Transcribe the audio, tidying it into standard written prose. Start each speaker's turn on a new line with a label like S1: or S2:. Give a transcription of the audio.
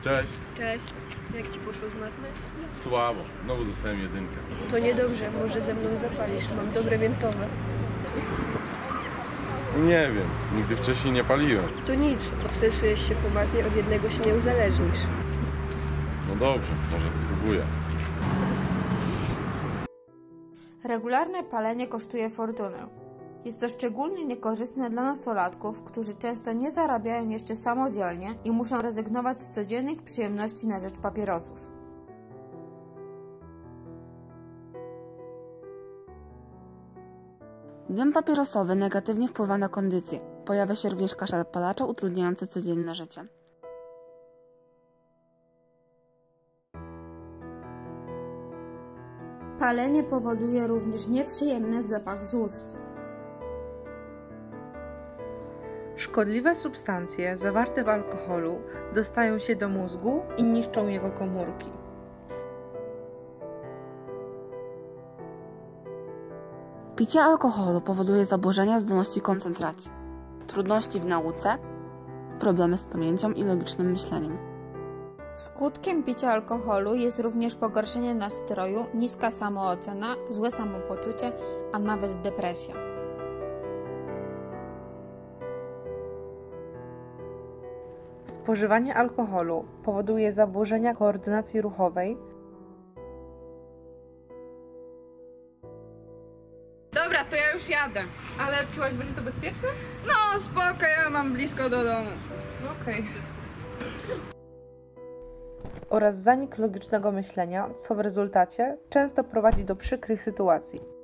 S1: Cześć.
S2: Cześć. Jak ci poszło z matmy?
S1: Słabo. Znowu dostałem 1.
S2: To niedobrze, może ze mną zapalisz. Mam dobre miętowe.
S1: Nie wiem. Nigdy wcześniej nie paliłem.
S2: To nic, odstresujesz się po matmie, od jednego się nie uzależnisz.
S1: No dobrze, może spróbuję.
S3: Regularne palenie kosztuje fortunę. Jest to szczególnie niekorzystne dla nastolatków, którzy często nie zarabiają jeszcze samodzielnie i muszą rezygnować z codziennych przyjemności na rzecz papierosów.
S4: Dym papierosowy negatywnie wpływa na kondycję. Pojawia się również kaszel palacza utrudniający codzienne życie.
S3: Palenie powoduje również nieprzyjemny zapach z ust.
S5: Szkodliwe substancje zawarte w alkoholu dostają się do mózgu i niszczą jego komórki.
S4: Picie alkoholu powoduje zaburzenia zdolności koncentracji, trudności w nauce, problemy z pamięcią i logicznym myśleniem.
S3: Skutkiem picia alkoholu jest również pogorszenie nastroju, niska samoocena, złe samopoczucie, a nawet depresja.
S5: Spożywanie alkoholu powoduje zaburzenia koordynacji ruchowej.
S6: Dobra, to ja już jadę.
S5: Ale piłaś, będzie to bezpieczne?
S6: No spoko, ja mam blisko do domu.
S5: Okej. Oraz zanik logicznego myślenia, co w rezultacie często prowadzi do przykrych sytuacji.